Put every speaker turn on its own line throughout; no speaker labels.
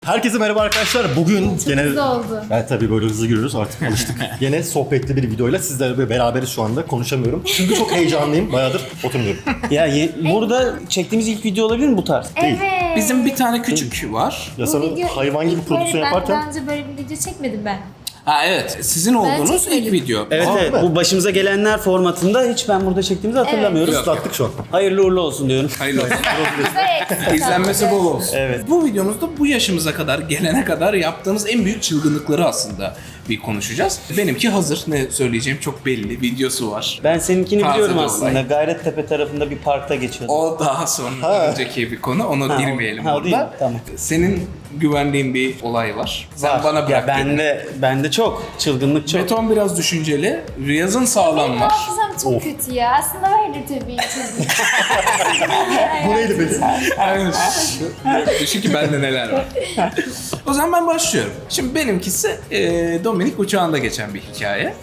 Herkese merhaba arkadaşlar. Bugün
Çok
gene...
hızlı oldu.
Evet tabii böyle hızlı giriyoruz artık alıştık. Gene sohbetli bir videoyla sizlerle beraberiz şu anda. Konuşamıyorum. Çünkü çok heyecanlıyım. Bayağıdır oturmuyorum.
Ya burada çektiğimiz ilk video olabilir mi bu tarz?
Değil.
Evet.
Bizim bir tane küçük var.
Ya sana hayvan gibi prodüksiyon
Ben
yaparken...
daha önce böyle bir video çekmedim ben.
Ha evet, sizin olduğunuz
çekmedim.
ilk video.
Evet
Aa,
evet,
evet.
bu başımıza gelenler formatında hiç ben burada çektiğimizi hatırlamıyoruz.
Yok.
Islattık şu an.
Hayırlı uğurlu olsun diyorum.
Hayırlı olsun.
Evet.
İzlenmesi bol olsun.
Evet.
Bu videomuzda bu yaşımıza kadar gelene kadar yaptığımız en büyük çılgınlıkları aslında bir konuşacağız. Benimki hazır. Ne söyleyeceğim çok belli. Videosu var.
Ben seninkini
Taze
biliyorum
bir
aslında.
olay.
Gayrettepe tarafında bir parkta geçiyordu.
O daha sonra önceki bir konu. Ona girmeyelim
o değil mi?
orada.
Tamam.
Senin güvendiğin bir olay var. Sen
Var.
bana bırak.
Ya
dedin.
bende çok. Çılgınlık çok.
Beton biraz düşünceli. Riyaz'ın sağlam
Benim
var.
hafızam çok kötü ya. Aslında vardı tabii ki.
Bu neydi peki?
Aynen. Düşün ki bende neler var. O zaman ben başlıyorum. Şimdi benimkisi Dominik uçağında geçen bir hikaye.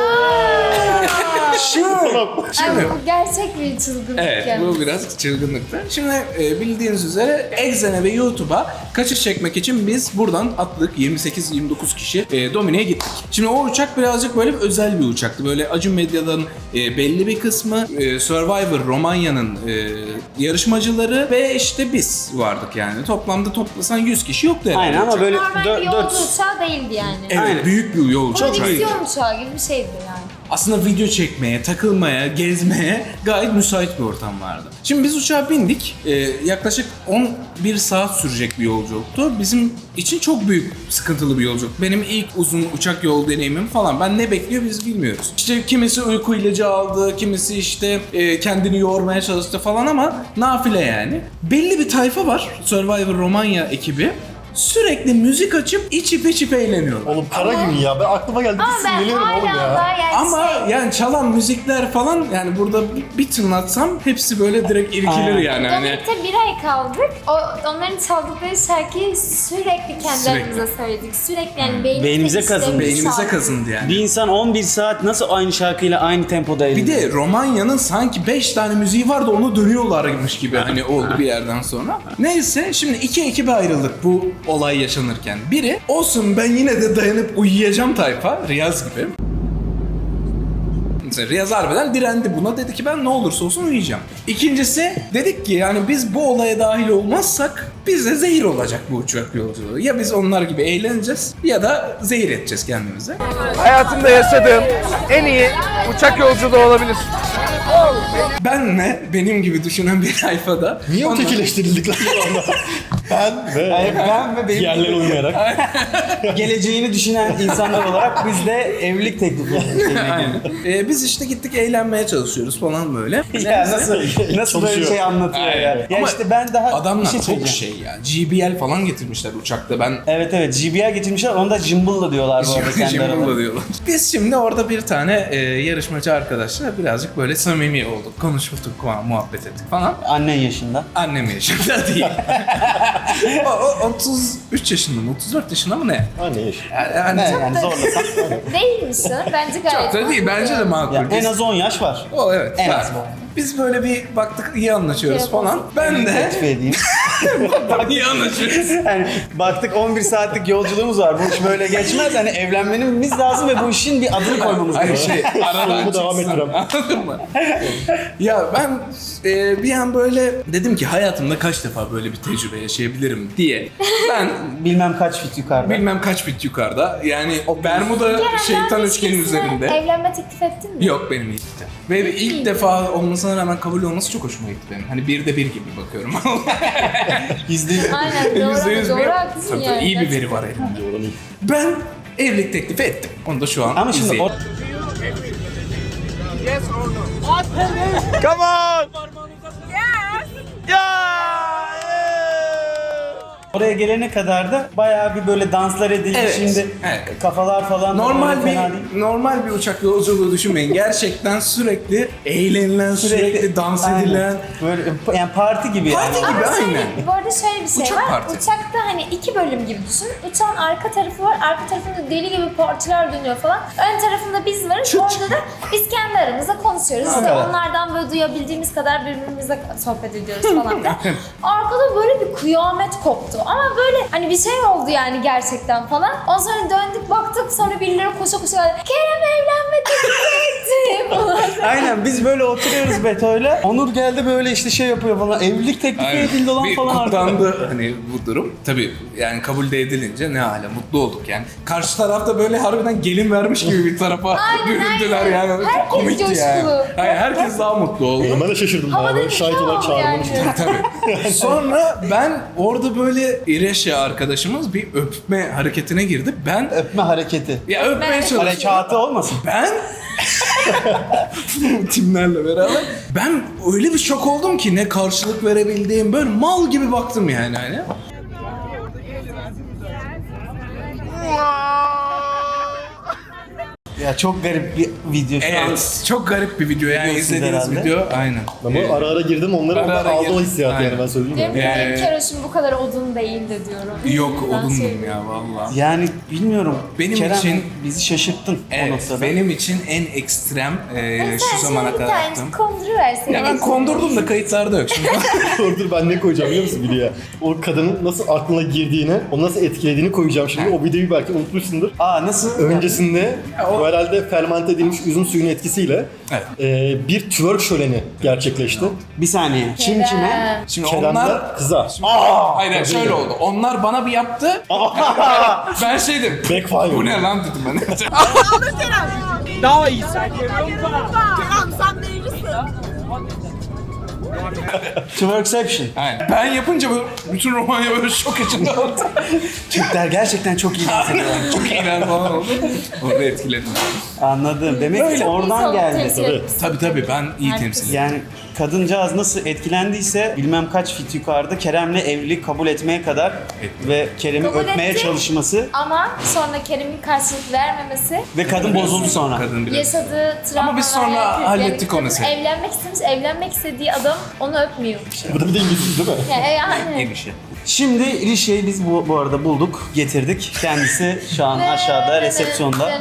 Ay, bu gerçek bir çılgınlık
Evet,
yani.
bu biraz çılgınlıktı. Şimdi bildiğiniz üzere Exxen'e ve YouTube'a kaçış çekmek için biz buradan atladık. 28-29 kişi Dominik'e gittik. Şimdi o uçak birazcık böyle özel bir uçaktı. Böyle Acun Medya'dan belli bir kısmı, Survivor Romanya'nın yarışmacıları ve işte biz vardık yani. Toplamda toplasan 100 kişi yoktu herhalde.
Aynen ama böyle
Normal bir yolcu
4
uçağı değildi yani.
Evet,
Aynen.
büyük bir yolcu uçağıydı.
Prodüksiyon uçağı gibi bir şeydi yani.
Aslında video çekmeye, takılmaya, gezmeye gayet müsait bir ortam vardı. Şimdi biz uçağa bindik. Yaklaşık 11 saat sürecek bir yolculuktu. Bizim için çok büyük, sıkıntılı bir yolculuk. Benim ilk uzun uçak yol deneyimim falan. Ben ne bekliyor biz bilmiyoruz. İşte kimisi uyku ilacı aldı, kimisi işte kendini yormaya çalıştı falan ama nafile yani. Belli bir tayfa var, Survivor Romanya ekibi. Sürekli müzik açıp içip eğleniyorlar.
Oğlum kara gün ya. Ben aklıma geldi.
Ama
Bir
ben
sinirlenirim oğlum
hala
ya.
daha yani
Ama yani çalan müzikler falan yani burada bir tınlatsam hepsi böyle direkt irkilir yani. Hani
Dominik'te bir ay kaldık. Onların çaldıkları şarkıyı sürekli kendimize söyledik. Sürekli yani
Beynimize kazındı.
beynimize kazındı yani.
bir insan 11 saat nasıl aynı şarkıyla aynı tempoda
Bir
eğleniyor?
de Romanya'nın sanki 5 tane müziği vardı onu dönüyorlarmış gibi hani oldu bir yerden sonra. Neyse şimdi iki ekibe ayrıldık bu olay yaşanırken. Biri olsun ben yine de dayanıp uyuyacağım tayfa Riyaz gibi. Mesela Riyaz harbiden direndi buna, dedi ki ben ne olursa olsun uyuyacağım. İkincisi dedik ki yani biz bu olaya dahil olmazsak bize zehir olacak bu uçak yolculuğu. Ya biz onlar gibi eğleneceğiz ya da zehir edeceğiz kendimize.
Hayatımda yaşadığım en iyi uçak yolculuğu olabilir.
Benle benim gibi düşünen bir tayfada
Niye
onlar-
ötekileştirildik lan şu anda? Ben ve
Ben ve benim
diğerleri uyuyarak.
geleceğini düşünen insanlar olarak biz de evlilik teklifi
Aynen. Biz işte gittik eğlenmeye çalışıyoruz falan böyle.
Ya nasıl böyle
Çalışıyor.
şey anlatıyor ya.
Aynen.
Ya
Ama
işte ben daha
adamlar
bir şey
çok
söyleyeceğim.
şey ya. GBL falan getirmişler uçakta. Ben
Evet evet, GBR getirmişler, onu da Jimbal'la diyorlar bu arada kendi
Jimbal'la
aralarında.
diyorlar. Biz şimdi orada bir tane yarışmacı arkadaşla birazcık böyle samimi olduk. Konuştuk falan, muhabbet ettik falan.
Annen yaşında.
Annem yaşında değil. o 33 yaşında mı? 34 yaşında mı ne?
Anne yaş.
Yani
Yani zorlasam.
Değilmiş o. Bence gayet
çok da değil. Bence de makul.
Ya, en az 10 yaş var.
O evet.
En
var.
az bu.
Biz böyle bir baktık iyi anlaşıyoruz
Şey
falan. Ben de
Teklif edeyim.
iyi anlaşıyoruz.
Yani baktık 11 saatlik yolculuğumuz var. Bu iş böyle geçmez. Hani evlenmemiz lazım ve bu işin bir adını koymamız
Ay
gerekiyor.
şey aradan
Bunu devam
çıksın.
ettirem.
Anladın mı? Ya ben bir an böyle dedim ki hayatımda kaç defa böyle bir tecrübe yaşayabilirim diye. Ben
Bilmem kaç fit yukarıda.
bilmem kaç bit yukarıda. Yani o Bermuda şeytan üçgenin üzerinde.
Evlenme teklif ettin mi?
Yok benim ilk de. Ve ilk defa olmasına rağmen kabul olması çok hoşuma gitti benim. Hani bir de bir gibi bakıyorum.
Aynen doğru.
%100
Doğru haklısın
tabii,
yani.
iyi bir veri var elimde. Ben evlilik teklifi ettim. Onu da şu an
Ama şimdi
izleyin.
Come on!
oraya gelene kadar da bayağı bir böyle danslar edildi.
Evet,
Şimdi
evet.
kafalar falan da
Normal
böyle fena değil.
normal bir uçak yolculuğu düşünmeyin. Gerçekten sürekli eğlenilen, sürekli dans
Aynen.
edilen.
Böyle yani parti gibi
Parti
yani.
gibi
Ama şöyle,
aynen.
bu arada şöyle bir şey
Uçak
var.
parti.
Uçakta hani iki bölüm gibi düşün. Uçağın arka tarafı var. Arka tarafında deli gibi partiler dönüyor falan. Ön tarafında biz varız. Orada da biz kendi aramızda konuşuyoruz. İşte
Evet.
onlardan böyle duyabildiğimiz kadar birbirimize sohbet ediyoruz falan filan. Arkada böyle bir kıyamet koptu. Ama böyle hani bir şey oldu yani gerçekten falan. Ondan sonra döndük baktık, sonra birileri koşa koşa geldi. Kerem evlenme teklif etti falan.
Aynen biz böyle oturuyoruz Beto'yla. Onur geldi böyle işte şey yapıyor falan. Evlilik teklifi
Aynen.
edildi lan
Bir
falan artık.
kutlandı hani bu durum. Tabii yani kabul de edilince ne hala mutlu olduk yani. Karşı tarafta böyle harbiden gelin vermiş gibi bir tarafa büründüler
aynen.
yani. Çok
Herkes
komikti
coşkulu.
yani. Hayır, herkes daha mutlu oldu.
Ben de şaşırdım.
Havada
Böyle
bir
şahit
şey
olarak
oldu
çağrılmış.
yani.
Tabii. Sonra ben orada böyle İreşya arkadaşımız bir öpme hareketine girdi. Ben
Öpme hareketi.
ya öpmeye çalıştım.
Harekatı olmasın.
Ben timlerle beraber ben öyle bir şok oldum ki ne karşılık verebildiğim, böyle mal gibi baktım yani hani.
Ya çok garip bir video şu an.
Evet, çok garip bir video yani
Biliyorsunuz
izlediğiniz
herhalde.
video aynen.
Ama ara ara girdim onları
Ara ara
aldım o
girdim.
hissiyatı
Aynen.
yani ben söyleyeyim
Benim
ya.
benim keroşum bu kadar odun değildi diyorum.
Yok
Ben
odundum
söyleyeyim.
ya vallahi.
Yani bilmiyorum.
Benim
Kerem,
için-
bizi şaşırttın o
Evet,
noktada.
benim için en ekstrem
Sen
şu zamana
şimdi bir
kadar
tane
yaptığım.
konduruversin.
Ya ben kondurdum da kayıtlarda yok şimdi.
Dur ben ne koyacağım biliyor musun videoya? O kadının nasıl aklına girdiğini, onu nasıl etkilediğini koyacağım şimdi. O videoyu belki unutmuşsundur.
Aa nasıl?
Öncesinde
o-
bu herhalde fermente edilmiş üzüm suyunun etkisiyle
Evet.
bir twerk şöleni gerçekleşti.
Bir saniye. Kim kime?
Şimdi
Kerem'den
onlar
kıza.
hayır şöyle oldu. Onlar bana bir yaptı. Ben şey dedim.
Backfire.
Bu ne lan dedim ben.
Daha iyisi.
Tamam sen neylisin?
Twerkception.
Aynen. Ben yapınca böyle bütün Romanya böyle şok içinde oldu.
Türkler gerçekten çok iyi dans ediyorlar.
Çok iğrenç falan oldu. Orada etkiledim.
Anladım. Demek ki oradan geldi.
Tabii ben iyi temsil ediyorum.
Yani kadıncağız nasıl etkilendiyse bilmem kaç fit yukarıda Kerem'le evlilik kabul etmeye kadar ve Kerem'i
Kabul
öpmeye
etti.
çalışması
Ama sonra Kerem'in karşılık vermemesi,
ve kadın bozuldu sonra.
Kadın biraz.
yaşadığı travmalar...
biz sonra
yani
hallettik o
kadın
meseleyi.
Evlenmek istemiş, evlenmek istediği adam onu öpmüyor.
Bu da bir de İngiliz değil mi?
Yani.
İyi bir şey.
Şimdi Rişe'yi biz bu arada bulduk, getirdik. Kendisi şu an aşağıda resepsiyonda.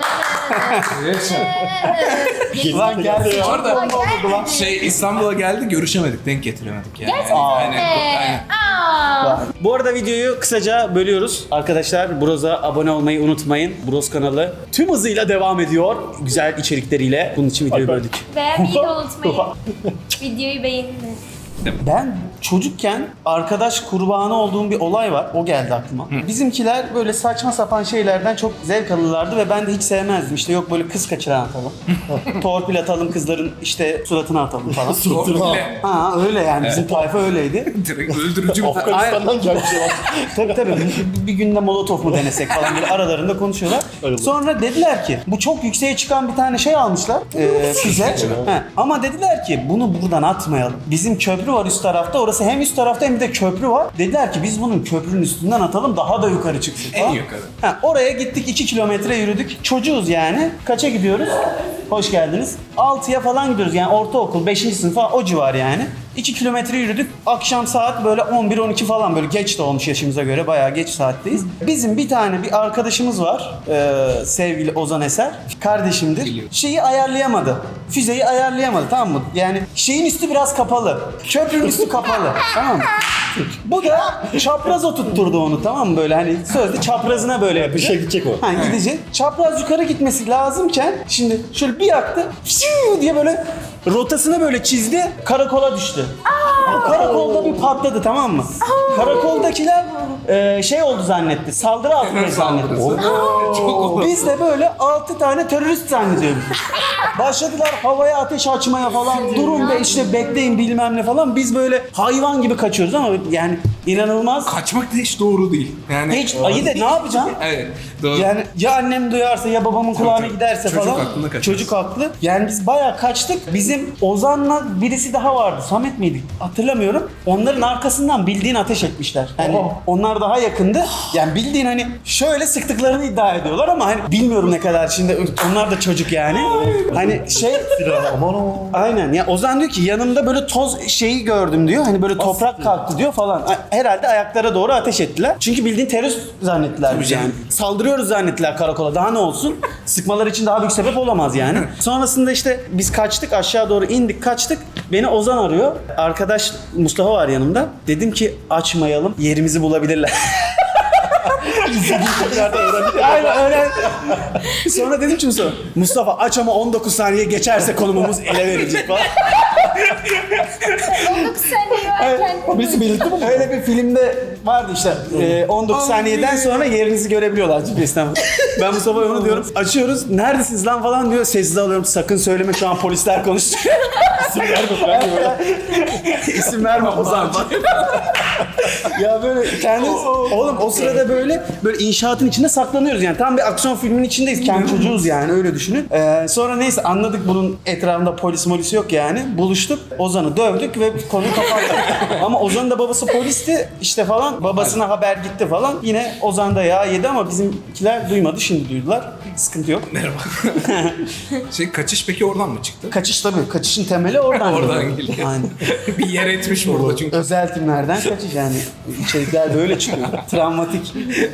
Lan geldi.
Bu arada
Geldi.
İstanbul'a geldi görüşemedik, denk getiremedik yani.
Gerçekten
Aynen.
Aa.
Bu arada videoyu kısaca bölüyoruz. Arkadaşlar Broz'a abone olmayı unutmayın. Broz kanalı tüm hızıyla devam ediyor. Güzel içerikleriyle. Bunun için videoyu böldük.
Beğenmeyi de unutmayın. Videoyu beğenin.
Ben çocukken arkadaş kurbanı olduğum bir olay var. O geldi aklıma. Bizimkiler böyle saçma sapan şeylerden çok zevk alırlardı ve ben de hiç sevmezdim. İşte yok böyle kız kaçıran atalım. Torpil atalım, kızların işte suratına atalım falan.
Torpille.
Ha öyle yani bizim tayfa öyleydi.
Direkt öldürücü bir
Afganistan'dan gelmiş ya.
Tabii bir günde molotof mu denesek falan böyle aralarında konuşuyorlar.
Öyle.
Sonra dediler ki bu çok yükseğe çıkan bir tane şey almışlar füze. He, ama dediler ki bunu buradan atmayalım. Bizim köprü var üst tarafta, orası hem üst tarafta hem de köprü var. Dediler ki biz bunun köprünün üstünden atalım daha da yukarı çıksın falan.
En yukarı.
He, oraya gittik 2 kilometre yürüdük. Çocuğuz yani. Kaça gidiyoruz? Hoş geldiniz. 6'ya falan gidiyoruz yani ortaokul 5. sınıf falan o civar yani. 2 kilometre yürüdük. Akşam saat böyle 11-12 falan böyle geç de olmuş yaşımıza göre bayağı geç saatteyiz. Bizim bir tane bir arkadaşımız var. Sevgili Ozan Eser. Kardeşimdir.
Biliyorum.
Şeyi ayarlayamadı. Füzeyi ayarlayamadı tamam mı? Yani şeyin üstü biraz kapalı. Köprünün üstü kapalı. Tamam mı? Bu da çapraz oturtturdu onu tamam mı böyle hani sözde çaprazına böyle
Bir
yapacak.
şey gidecek o.
Ha gidecek. Çapraz yukarı gitmesi lazımken şimdi şöyle bir yaktı fiu diye böyle rotasını böyle çizdi karakola düştü. O karakolda bir patladı tamam mı? Karakoldakiler şey oldu zannetti. Saldırı altında zannetti. Biz de böyle 6 tane terörist zannediyoruz. Başladılar havaya ateş açmaya falan. Durun be işte bekleyin bilmem ne falan. Biz böyle hayvan gibi kaçıyoruz ama yani inanılmaz.
Kaçmak da hiç doğru değil. Yani
Hiç ayı da ne yapacaksın?
Evet. Doğru.
Yani ya annem duyarsa ya babamın kulağına
tabii.
giderse
Çocuk
falan.
aklında kaçar.
Çocuk haklı. Yani biz bayağı kaçtık. Bizim Ozan'la birisi daha vardı. Samet miydi? Hatırlamıyorum. Onların arkasından bildiğin ateş etmişler. Hani onlar daha yakındı. Yani bildiğin hani şöyle sıktıklarını iddia ediyorlar ama hani bilmiyorum ne kadar şimdi onlar da çocuk yani. Hani şey
Aman o.
aynen ya Ozan diyor ki yanımda böyle toz şeyi gördüm diyor. Hani böyle toprak kalktı diyor falan. herhalde ayaklara doğru ateş ettiler. Çünkü bildiğin terörist zannettiler bizi yani. Saldırıyoruz zannettiler karakola. Daha ne olsun? Sıkmalar için daha büyük sebep olamaz yani. Sonrasında işte biz kaçtık, aşağı doğru indik, kaçtık. Beni Ozan arıyor. Arkadaş Mustafa var yanımda. Dedim ki açmayalım, yerimizi bulabilirler. Aynen öyle. Sonra dedim ki Mustafa aç ama 19 saniye geçerse konumumuz ele verecek falan.
19 saniye varken.
Birisi belirtti mi? Öyle bir filmde vardı işte. 19 saniyeden sonra yerinizi görebiliyorlar GPS'ten. Ben Mustafa'ya onu diyorum. Açıyoruz. Neredesiniz lan falan diyor. Sessiz alıyorum. Sakın söyleme şu an polisler konuşuyor. İsim verme. İsim verme Ozan. Ya böyle kendimiz oğlum o sırada böyle inşaatın içinde saklanıyoruz yani. Tam bir aksiyon filminin içindeyiz. Kendi çocuğuz yani öyle düşünün. Sonra neyse anladık bunun etrafında polis yok yani. Buluştuk. Ozan'ı dövdük ve konuyu kapattık. Ama Ozan'ın da babası polisti işte falan. Babasına haber gitti falan. Yine Ozan da yağ yedi ama bizimkiler duymadı. Şimdi duydular. Sıkıntı yok.
Merhaba. Kaçış peki oradan mı çıktı?
Kaçış tabii. Kaçışın temeli oradan.
Oradan geliyor.
Aynen.
Bir yer etmiş burada çünkü.
Özel timlerden kaçış yani. İçerikler böyle çıkıyor. Travmatik.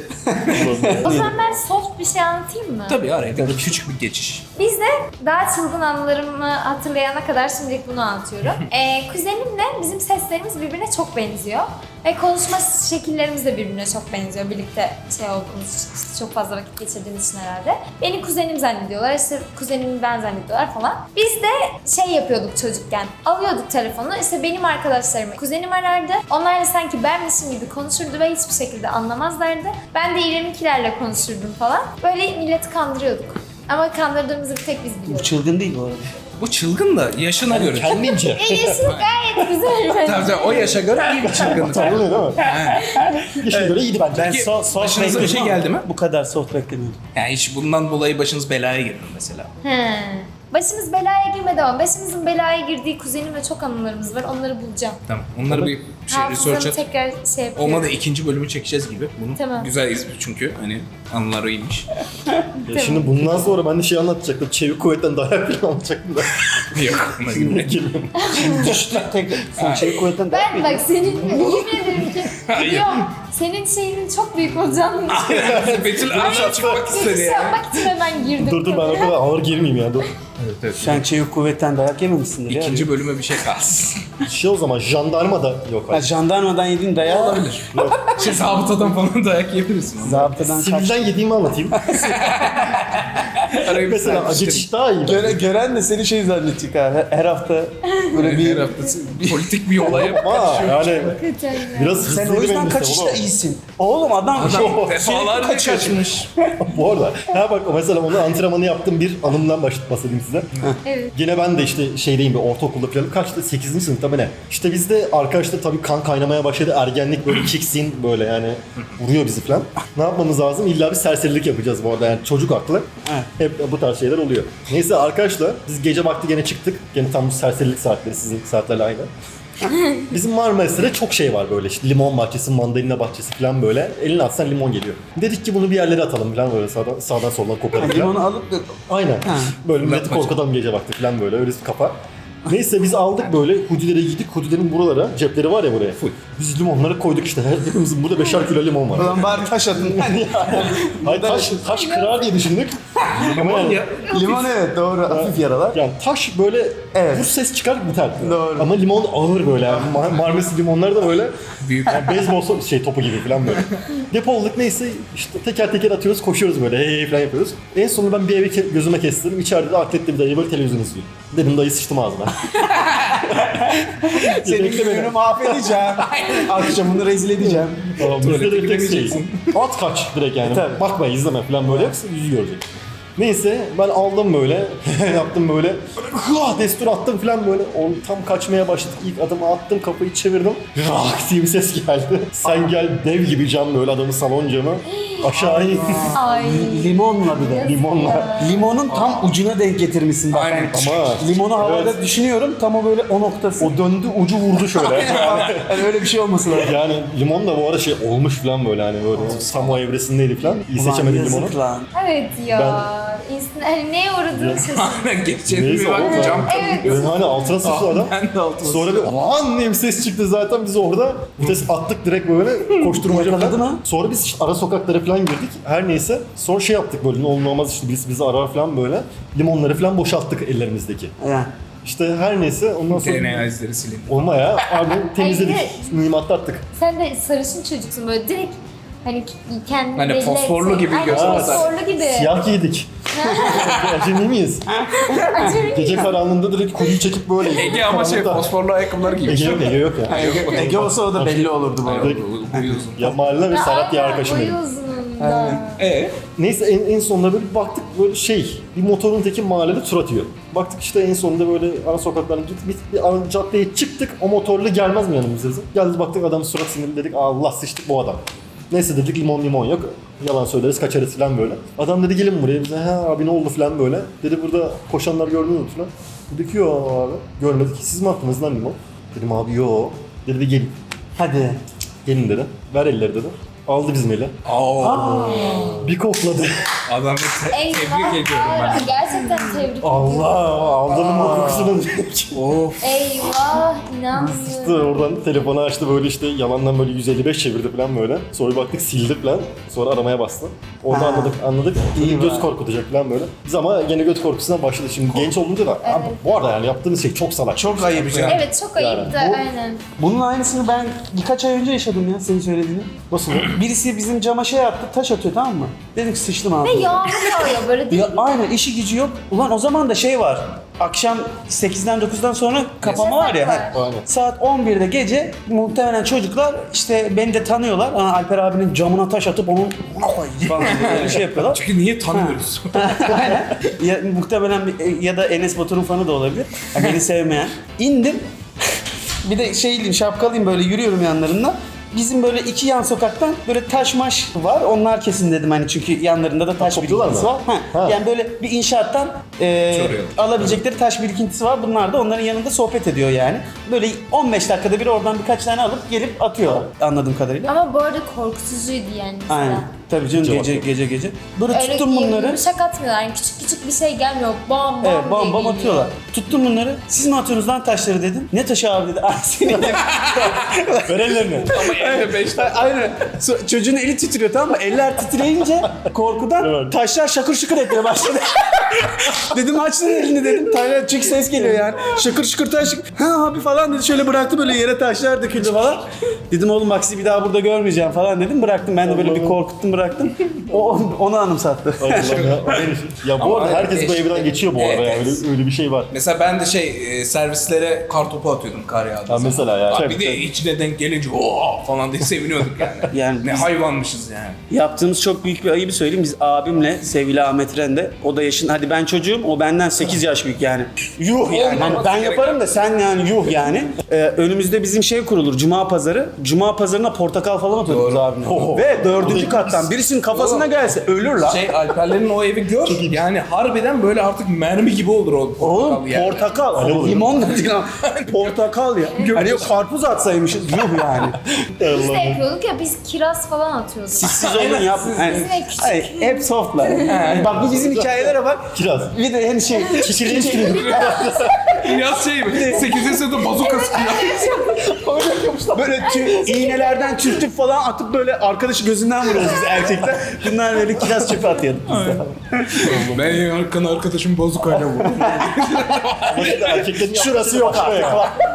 O zaman ben soft bir şey anlatayım mı?
Tabii araya bir küçük bir geçiş.
Biz de daha çılgın anılarımı hatırlayana kadar şimdilik bunu anlatıyorum. Kuzenimle bizim seslerimiz birbirine çok benziyor. Ve konuşma şekillerimiz de birbirine çok benziyor. Birlikte olduğumuz için, işte çok fazla vakit geçirdiğimiz için herhalde. Beni kuzenim zannediyorlar, işte kuzenimi ben zannediyorlar falan. Biz de yapıyorduk çocukken. Alıyorduk telefonu, işte benim arkadaşlarımı kuzenim arardı. Onlar da sanki benmişim gibi konuşurdu ve hiçbir şekilde anlamazlardı. Ben de İrem'inkilerle konuşurdum falan. Böyle milleti kandırıyorduk. Ama kandırdığımızı bir tek biz
Bu
biliyoruz.
çılgın değil bu arada.
Bu çılgın da yaşına göre.
Kendince.
Yaşı gayet güzel.
Tabii o yaşa göre iyi bir çılgınlık.
Tanrı değil mi? Yaşına göre iyiydi bence.
Ben
Peki,
soft
başınıza bir şey
bekledim ama
geldi mi?
Bu kadar soft beklemiyordum.
Yani hiç bundan dolayı başınız belaya girdi mesela.
Başımız belaya girmedi ama başımızın belaya girdiği kuzenimle çok anılarımız var. Onları bulacağım.
Tamam. Onları bir
Hafızamı
research et.
tekrar yapıyorum.
Olmadı ikinci bölümü çekeceğiz gibi. Bunu
Tamam.
güzel izle çünkü hani anılar iyiymiş.
Ya şimdi bundan sonra ben de şey anlatacaktım. Çevik kuvvetten dayak falan anlatacaktım da.
Yok. Ona gibi.
Düştük tekrar. Sen çevik kuvvetten dayak
Ben bak senin yemin ederim ki biliyorum. Senin şeyinin çok büyük olacağını düşünüyorum.
Betül aşağı çıkmak istedi
Giriş
ya.
yapmak için hemen girdim.
Dur ben o kadar ağır girmeyeyim ya. Dur.
Evet, evet.
Sen çevik kuvvetten dayak yememişsindir ya.
İkinci bölüme bir şey kalsın.
O zaman jandarma da yok.
Ha, jandarmadan yediğin dayağı
Olabilir. Zabıtadan falan dayak yiyebilirsin.
zabıtadan kaç.
Sivilden yediğimi anlatayım.
Arayı bir
Mesela
serpiştirin.
geçiş daha iyi.
Gören de seni şey zannedecek ha. Her hafta böyle bir...
Her hafta politik bir olaya
Ama yani
Hakikaten ya.
biraz
Sen
hızlıydı
o yüzden
benim
kaçışta
listem
iyisin. Oğlum adam
defalarca kaçmış.
Bu arada bak mesela onu antrenmanı yaptığım bir anımdan bahsedeyim size.
Evet.
Gene ben de işte şeydeyim bir ortaokulda falan kaçtı 8. sınıfta mı ne? İşte bizde arkadaşlar tabii kan kaynamaya başladı. Ergenlik böyle kicksin böyle yani vuruyor bizi falan. Ne yapmamız lazım? İlla bir serserilik yapacağız bu arada yani çocuk aklı. Hep bu tarz şeyler oluyor. Neyse arkadaşlar biz gece vakti gene çıktık. Gene tam bu serserilik saatleri sizin saatlerle aynı. Bizim Marmaris'te çok şey var böyle işte limon bahçesi, mandalina bahçesi falan böyle. Eline atsan limon geliyor. Dedik ki bunu bir yerlere atalım falan böyle sağdan soldan koparıp falan.
limonu alıp da...
Aynen. Böyle milleti korkutalım gece vakti falan böyle öyle bir kafa. Neyse biz aldık böyle hudilere gittik. Hudilerin buralara cepleri var ya buraya. Biz limonları koyduk işte. Hepimizin burada 5'er kilo limon var.
Ulan bari taş atın.
Hayır taş kırar diye düşündük. Ama yani,
Limon evet doğru. Hafif yaralar.
yani taş böyle
Evet.
vur ses çıkar biter.
Doğru.
Ama limon ağır böyle. Yani. Marmesi limonlar da böyle
Büyük.
yani beyzbol topu gibi falan böyle. Depoladık neyse işte teker teker atıyoruz koşuyoruz böyle hey falan yapıyoruz. En sonunda ben bir eve gözüme kestirdim. İçeride de akletli bir dayı böyle televizyon izliyor. Dedim dayı sıçtım ağzına.
Senin gününü mahvedeceğim. Akşamını rezil edeceğim.
Tamam, bizde de
Tuvalete
bir tek şey.
gidemeyeceksin.
At kaç direkt yani.
Tabii.
Bakma izleme falan böyle yoksa yüzü görecek. Neyse ben aldım böyle yaptım böyle destur attım falan böyle tam kaçmaya başladık ilk adımı attım kapıyı çevirdim rak diye bir ses geldi sen gel dev gibi cam böyle adamın salon camı aşağı in
Ay.
Limonla bir de.
limonla
Limonun tam ucuna denk getirmişsin bak.
Aynen.
ama
Limonu havada
Evet.
düşünüyorum tam o böyle o noktası.
o döndü ucu vurdu şöyle
Yani öyle bir şey olması lazım.
yani limon da bu arada şey olmuş falan böyle hani böyle tam o evresindeydi falan iyi seçemedim limonu
Yazık lan.
Evet ya. Hani neye uğradığını şaşırdım.
Aynen geçelim
Neyse,
bir bak
oğlum.
cam
Evet.
Ben hani altına sıçtı adam.
Ben de altına
Sonra bir aman diye bir ses çıktı zaten biz orada vites attık direkt böyle koşturmaca
Yakaladı
falan.
mı?
Sonra biz işte ara sokaklara falan girdik. Her neyse. Sonra şey yaptık böyle ne olur ne olmaz işte bizi arar falan böyle. Limonları falan boşalttık ellerimizdeki.
Yani.
İşte her neyse ondan sonra
DNA izleri silindi.
olma ya abi temizledik.
Hayır.
Mühimmatı attık.
Sen de sarışın çocuksun böyle direkt hani kendini
Hani
belli
fosforlu
etsen-
gibi
Aynen,
göstersen.
fosforlu gibi.
Siyah giydik. Acemi miyiz? Gece karanlığında direkt kuyu çekip böyle.
Ege ama şey
Karanlıkta.
fosforlu ayakkabılar giymiş.
Ege yok ya.
Ege olsa o da belli olurdu bu arada.
Uyuyorsun.
Ya mahalle ve Serhat diye arkadaşım benim.
Boyu uzunluğunda.
Neyse en sonunda böyle bir baktık böyle bir motorun teki mahallede tur atıyor. Baktık işte en sonunda böyle ara sokaklardan gittik bir ara caddeye çıktık o motorlu gelmez mi yanımıza dedim. Geldi baktık adam surat sinirli dedik Allah sıçtık bu adam. Neyse dedik limon yok. Yalan söyleriz kaçarız falan böyle. Adam dedi gelin buraya bize ha abi ne oldu falan böyle. Dedi burada koşanlar gördünüz mü falan. Dedik yo abi görmedik. Siz mi attınız lan limon? Dedim abi yo. Dedi bir gelin.
Hadi.
Gelin dedi. Ver elleri dedi. Aldı bizim eli. Bir kokladı.
Adamı tebrik ediyorum ben.
Gerçekten tebrik ediyorum.
Allah aldı limon kokusunu.
Of.
Eyvah inanmıyorum.
İşte oradan telefonu açtı böyle işte yalandan böyle 155 çevirdi falan böyle. Sonra bir baktık sildi falan. Sonra aramaya bastı. Orada anladık.
İyi
Göz
var.
korkutacak falan böyle. Biz ama gene göz korkusundan başladı. Şimdi genç olunca da abi, bu arada yani yaptığınız şey çok salak.
Çok ayıp ya.
Evet çok ayıptı
Yani bu-
aynen.
Bunun aynısını ben birkaç ay önce yaşadım ya senin söylediğini.
Nasıl?
Birisi bizim cama şey attı, taş atıyor tamam mı? Dedik sıçtım abi.
Ve yağmur yağıyor böyle değil
Ya
mi?
aynen işi gücü yok. Ulan o zaman da şey var. Akşam 8'den 9'dan sonra kapama var ya.
Yasak var.
Aynen.
Saat 11'de gece muhtemelen çocuklar işte beni de tanıyorlar. Alper abinin camına taş atıp onun ona koyayım falan diye böyle şey yapıyorlar.
Çünkü niye tanıyoruz?
Aynen. Ya, muhtemelen ya da Enes Batur'un fanı da olabilir. Ya, beni sevmeyen. İndim. Bir de şeyliyim, şapkalıyım böyle yürüyorum yanlarında. Bizim böyle iki yan sokaktan böyle taş maş var. Onlar kesin dedim hani çünkü yanlarında da taş
topluyorlar
birikintisi
mı?
var. Ha. Yani böyle bir inşaattan alabilecekleri taş birikintisi var. Bunlar da onların yanında sohbet ediyor yani. Böyle 15 dakikada bir oradan birkaç tane alıp gelip atıyor anladığım kadarıyla.
Ama bu arada korkutucuydu yani mesela.
Aynen. Tabii canım
Gece
gece. Böyle
Öyle
tuttum bunları.
yumuşak atmıyorlar. Yani küçük bir şey gelmiyor. Bam bam
Evet bam
diye
bam
geliyor.
atıyorlar. Tuttum bunları. Siz mi atıyorsunuz lan taşları dedim. Ne taşı abi dedi. Ah seni.
Ver ellerini.
Ama evde 5
Aynen. Çocuğun eli titriyor tamam mı? Eller titreyince korkudan
Evet.
taşlar şakır şıkır etmeye başladı. Dedim aç lan elini dedim. Taşlar çünkü ses geliyor yani. Şakır şıkır taş. Ha abi falan dedi. Şöyle bıraktı böyle yere taşlar döküldü falan. Dedim oğlum bak sizi bir daha burada görmeyeceğim falan dedim. Bıraktım ben de böyle bir korkuttum bıraktım. Onu anımsattı.
Allah'ım ya. Ya bu
Ama
arada herkes bu evden geçiyor bu arada
Evet,
yani öyle bir şey var.
Mesela ben de servislere kar topu atıyordum kar yağdığı zaman.
mesela ya.
Abi bir de içine denk gelince ooo falan diye seviniyorduk yani.
Yani
Ne
biz-
hayvanmışız yani.
Yaptığımız çok büyük bir ayıbı söyleyeyim. Biz abimle sevgili Ahmet Rende, o da yaşın, hadi ben çocuğum, o benden 8 yaş büyük yani. Yuh yani. Hani ben yaparım da sen yani yuh yani. Önümüzde bizim şey kurulur, Cuma pazarı. Cuma pazarına portakal falan atıyorduk biz abimle. Ve 4. kattan birisinin kafasına gelse ölür lan.
Alperlerin o evi gör. Yani harbiden böyle artık mermi gibi olur o portakal
Oğlum
yani.
portakal,
olur.
limon da değil ama portakal ya. Hani yok karpuz atsaymışız, yuh yani.
Biz de yapıyorduk ya biz kiraz falan atıyorduk.
Siz olun yap. Yani,
Bizim de küçük.
hayır, hep softlar. Yani bak bu bizim hikayelere bak.
Kiraz.
Bir de hani şey,
Çiçeğini çıkıyor.
Biraz şey mi? 8. sınıfta bazuka sıkıyor.
böyle iğnelerden çürütüp falan atıp böyle arkadaşı gözünden vuruyoruz biz erkekler. Bunlar böyle kiraz çöpü atıyorduk biz de.
Ben en arkadaşım bazukayla vurdum.
Erkeklerin şurası yok artık.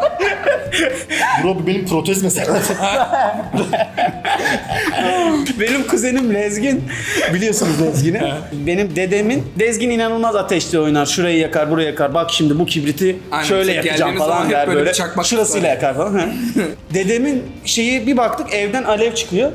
Bro bu benim protez mesela.
Benim kuzenim Lezgin, biliyorsunuz Lezgin'i. Benim dedemin, Lezgin inanılmaz ateşli oynar. Şurayı yakar, burayı yakar. Bak şimdi bu kibriti
Aynen,
şöyle
tek
yakacağım
geldiğiniz zaman
falan
hep
der
böyle
böyle.
bir çakmak
Şurasıyla
tutar.
yakar falan. Hı. Dedemin şeyi bir baktık evden alev çıkıyor.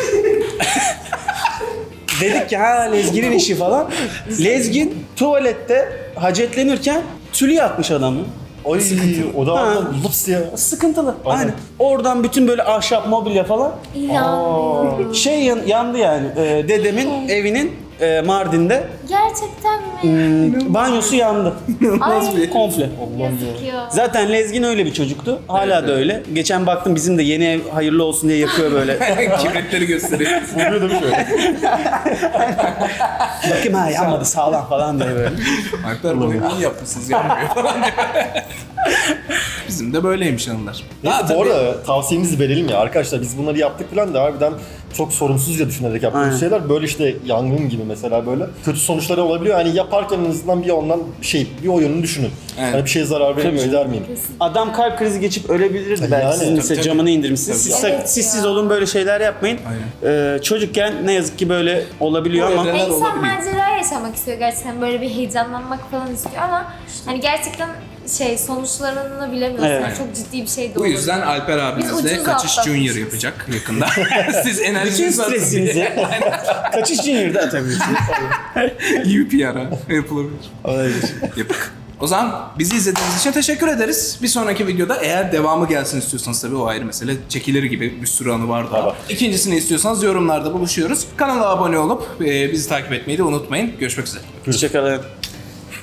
Dedik ki ha Lezgin'in işi falan. Lezgin tuvalette hacetlenirken tülü yakmış adamı.
Ay o da
Ha.
lups ya.
Sıkıntılı.
Aynen.
Aynen. Oradan bütün böyle ahşap mobilya falan
İnanmıyorum.
yandı yani. Dedemin evinin Mardin'de.
Gerçekten mi?
Banyosu yandı.
Ay,
Komple.
yazık ya.
Zaten Lezgin öyle bir çocuktu. Hala da öyle. Geçen baktım bizim de yeni ev hayırlı olsun diye yakıyor böyle.
Kibritleri gösteriyor.
Vuruyor değil mi şöyle?
Bakayım ha yanmadı sağlam falan diye böyle.
Alper bunu iyi yapmışsınız yanmıyor falan diyor. Bizim de böyleymiş anılar.
Neyse
Ha,
bu
tabii.
arada tavsiyemizi verelim ya arkadaşlar, biz bunları yaptık falan da harbiden çok sorumsuzca düşünerek yaptığımız
Aynen.
şeyler, böyle işte yangın gibi mesela böyle kötü sonuçları olabiliyor. Hani yaparken en azından bir ondan bir o yönünü düşünün.
Evet.
Hani bir şeye zarar vermiyor eder miyim?
Adam kalp krizi geçip ölebilirdi belki.
Yani.
Siz
Tabii,
mesela
tabii.
camını indirmişsiniz. Siz,
Evet
siz
ya.
olun böyle şeyler yapmayın. Çocukken ne yazık ki böyle olabiliyor
Bu
ama
evreler
İnsan
olabiliyor.
macera yaşamak istiyor gerçekten, böyle bir heyecanlanmak falan istiyor ama hani gerçekten sonuçlarını bilemiyorsun.
Evet.
Yani çok ciddi bir şey de
Bu
olabilir.
yüzden Alper abimiz
Biz
de
ucuz
Kaçış
atlatmışız.
Junior yapacak yakında. Siz
bütün
enerjiniz varsa
stresinizi kaçış junior'da atabilirsiniz.
iyi bir PR'a yapılabilir. Yapık. O zaman bizi izlediğiniz için teşekkür ederiz. Bir sonraki videoda eğer devamı gelsin istiyorsanız tabii o ayrı mesele. Çekilir gibi bir sürü anı var daha.
Tamam.
İkincisini istiyorsanız yorumlarda buluşuyoruz. Kanala abone olup bizi takip etmeyi de unutmayın. Görüşmek üzere.
Hoşçakalın.